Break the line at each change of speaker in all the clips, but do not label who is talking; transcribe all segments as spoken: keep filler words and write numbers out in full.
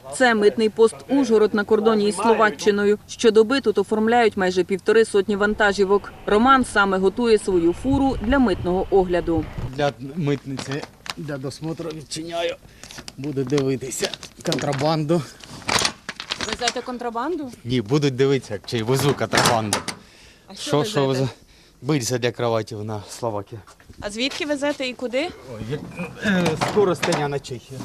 Це митний пост Ужгород на кордоні із Словаччиною. Щодоби тут оформляють майже півтори сотні вантажівок. Роман саме готує свою фуру для митного огляду.
Для митниці, для досмотру відчиняю, буду дивитися контрабанду.
Везете контрабанду?
Ні, будуть дивитися, чи везу контрабанду.
А що,
Що,
везете?
що бильця для кроватів на Словакії.
А звідки везете і куди?
Ой, е, скоро стання на Чехію.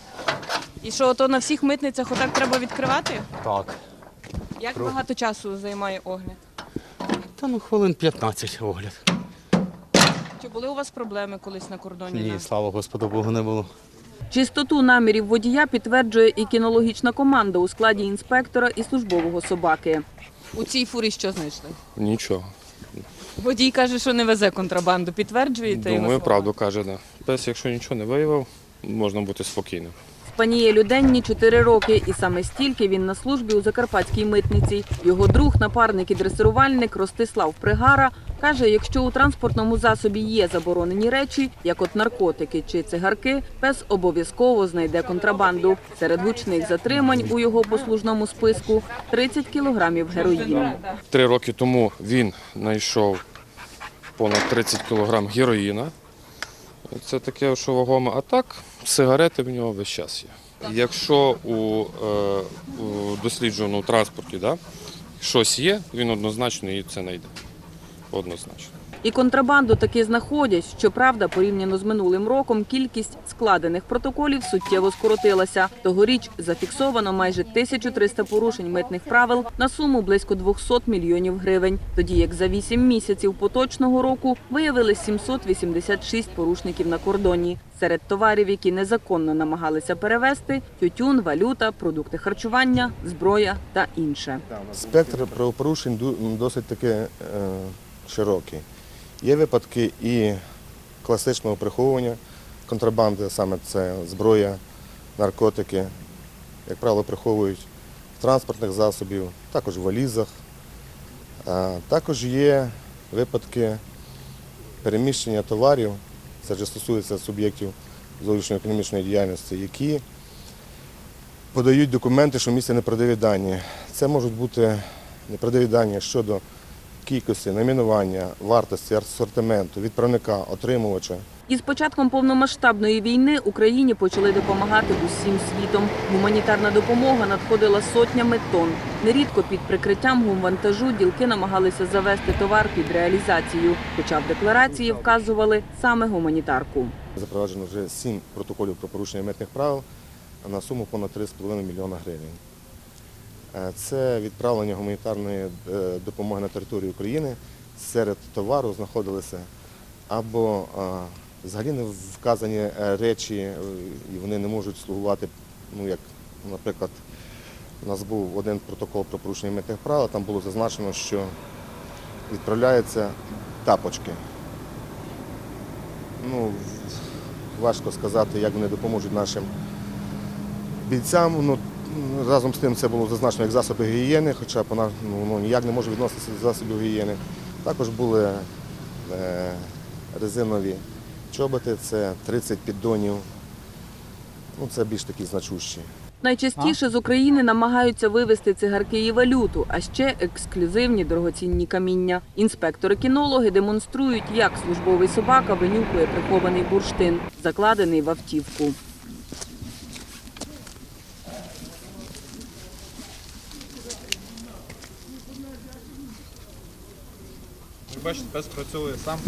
І що, ото на всіх митницях отак треба відкривати?
Так.
Як багато часу займає огляд?
Та ну хвилин п'ятнадцять огляд.
Чи були у вас проблеми колись на кордоні?
Ні,
на-
слава Господу Богу, не було.
Чистоту намірів водія підтверджує і кінологічна команда у складі інспектора і службового собаки. У цій фурі що знайшли?
Нічого.
Водій каже, що не везе контрабанду. Підтверджуєте його
Думаю,
слова?
правду каже, да. Пес, якщо нічого не виявив, можна бути спокійним.
Спанієлю Денні чотири роки, і саме стільки він на службі у Закарпатській митниці. Його друг, напарник і дресирувальник Ростислав Пригара каже, якщо у транспортному засобі є заборонені речі, як от наркотики чи цигарки, пес обов'язково знайде контрабанду. Серед гучних затримань у його послужному списку – тридцять кілограмів героїну.
Три роки тому він знайшов понад тридцять кілограм героїна. Це таке, що вагоме. А так, сигарети в нього весь час є. Якщо у, е, у дослідженому транспорті да, щось є, він однозначно і це знайде. Однозначно.
І контрабанду таки знаходять. Щоправда, порівняно з минулим роком, кількість складених протоколів суттєво скоротилася. Тогоріч зафіксовано майже тисячу триста порушень митних правил на суму близько двохсот мільйонів гривень. Тоді як за вісім місяців поточного року виявили сімсот вісімдесят шість порушників на кордоні. Серед товарів, які незаконно намагалися перевезти – тютюн, валюта, продукти харчування, зброя та інше.
Спектр правопорушень ду- досить таки е, широкий. Є випадки і класичного приховування контрабанди, саме це зброя, наркотики, як правило, приховують в транспортних засобів, також в валізах. А також є випадки переміщення товарів, це вже стосується суб'єктів зовнішньоекономічної діяльності, які подають документи, що містять неправдиві дані. Це можуть бути неправдиві дані щодо кількості, найменування, вартості, асортименту, відправника, отримувача.
Із початком повномасштабної війни Україні почали допомагати усім світом. Гуманітарна допомога надходила сотнями тонн. Нерідко під прикриттям гумвантажу ділки намагалися завести товар під реалізацію, хоча в декларації вказували саме гуманітарку.
Запроваджено вже сім протоколів про порушення митних правил на суму понад три з половиною мільйона гривень. Це відправлення гуманітарної допомоги на територію України. Серед товару знаходилися або взагалі не вказані речі, і вони не можуть слугувати, ну як, наприклад, у нас був один протокол про порушення митних правил, там було зазначено, що відправляються тапочки. Ну, важко сказати, як вони допоможуть нашим бійцям. Ну, разом з тим це було зазначено як засоби гігієни, хоча вона ну, ніяк не може відноситися до засобів гігієни. Також були е, резинові чоботи, це тридцять піддонів, ну, це більш такі значущі.
Найчастіше з України намагаються вивезти цигарки і валюту, а ще ексклюзивні дорогоцінні каміння. Інспектори-кінологи демонструють, як службовий собака винюхує прихований бурштин, закладений в автівку.
Ви бачите, пес працює сам.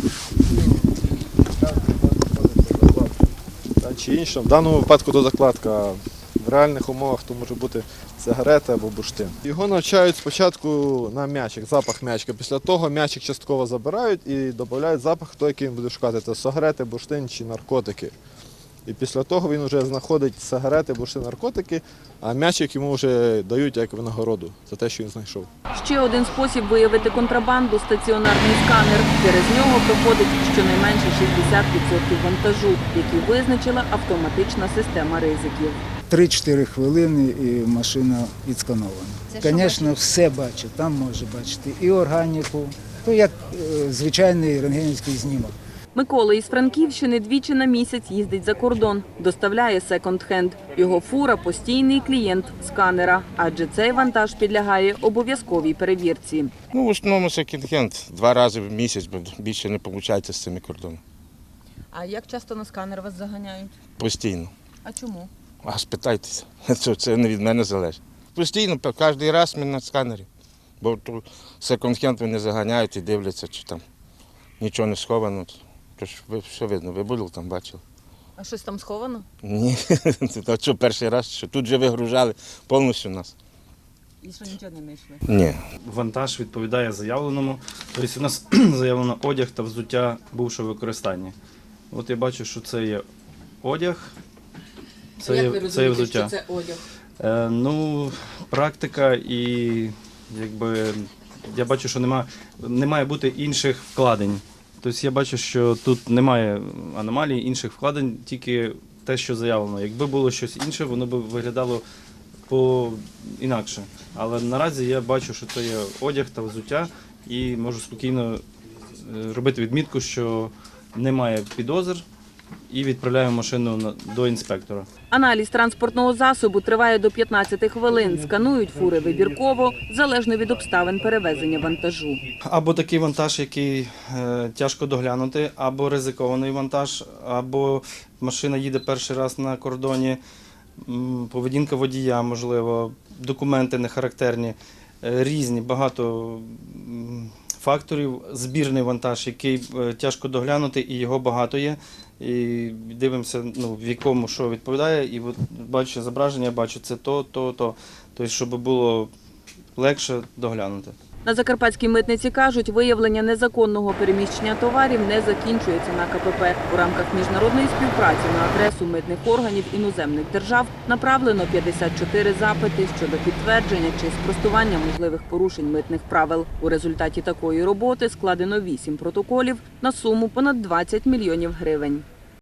Та чи інше. В даному випадку то закладка. В реальних умовах то може бути сигарета або бурштин. Його навчають спочатку на м'ячик, запах м'ячика. Після того м'ячик частково забирають і додають запах, той, який він буде шукати. Це сигарети, бурштин чи наркотики. І після того він вже знаходить сигарети, бурштин, наркотики, а м'ячик йому вже дають як винагороду за те, що він знайшов.
Ще один спосіб виявити контрабанду – стаціонарний сканер. Через нього проходить щонайменше шістдесят відсотків вантажу, який визначила автоматична система ризиків.
три-чотири хвилини і машина відсканована. Звісно, все бачить, там може бачити і органіку, то як е, звичайний рентгенівський знімок.
Микола із Франківщини двічі на місяць їздить за кордон, доставляє секонд-хенд. Його фура – постійний клієнт сканера, адже цей вантаж підлягає обов'язковій перевірці.
Ну, в основному секонд-хенд. Два рази в місяць, бо більше не виходить з цими кордонами.
А як часто на сканер вас заганяють?
Постійно.
А чому?
А спитайтеся, це, це не від мене залежить. Постійно, кожен раз ми на сканері. Бо секонд-хенд вони заганяють і дивляться, чи там нічого не сховано. Тож ви все видно, ви були там, бачили.
А щось там сховано?
Ні, а що перший раз, що тут же вигружали повністю нас.
І що нічого не знайшли?
Ні.
Вантаж відповідає заявленому. Тобто у нас заявлено одяг та взуття бувшого використання. От я бачу, що це є одяг, це, є, це є взуття.
це одяг?
Е, ну, практика і якби я бачу, що нема, не має бути інших вкладень. Тобто я бачу, що тут немає аномалій, інших вкладень, тільки те, що заявлено. Якби було щось інше, воно б виглядало по-інакше. Але наразі я бачу, що це є одяг та взуття, і можу спокійно робити відмітку, що немає підозр, і відправляю машину на- до інспектора.
Аналіз транспортного засобу триває до п'ятнадцяти хвилин. Сканують фури вибірково, залежно від обставин перевезення вантажу.
Або такий вантаж, який е, тяжко доглянути, або ризикований вантаж, або машина їде перший раз на кордоні, м, поведінка водія, можливо, документи не характерні, е, різні, багато м, факторів. Збірний вантаж, який е, тяжко доглянути, і його багато є. І дивимося, ну, в якому що відповідає, і от бачу зображення, бачу це то, то, то. Тобто, щоб було легше доглянути.
На Закарпатській митниці кажуть, виявлення незаконного переміщення товарів не закінчується на ка пе пе. У рамках міжнародної співпраці на адресу митних органів іноземних держав направлено п'ятдесят чотири запити щодо підтвердження чи спростування можливих порушень митних правил. У результаті такої роботи складено вісім протоколів на суму понад двадцять мільйонів гривень.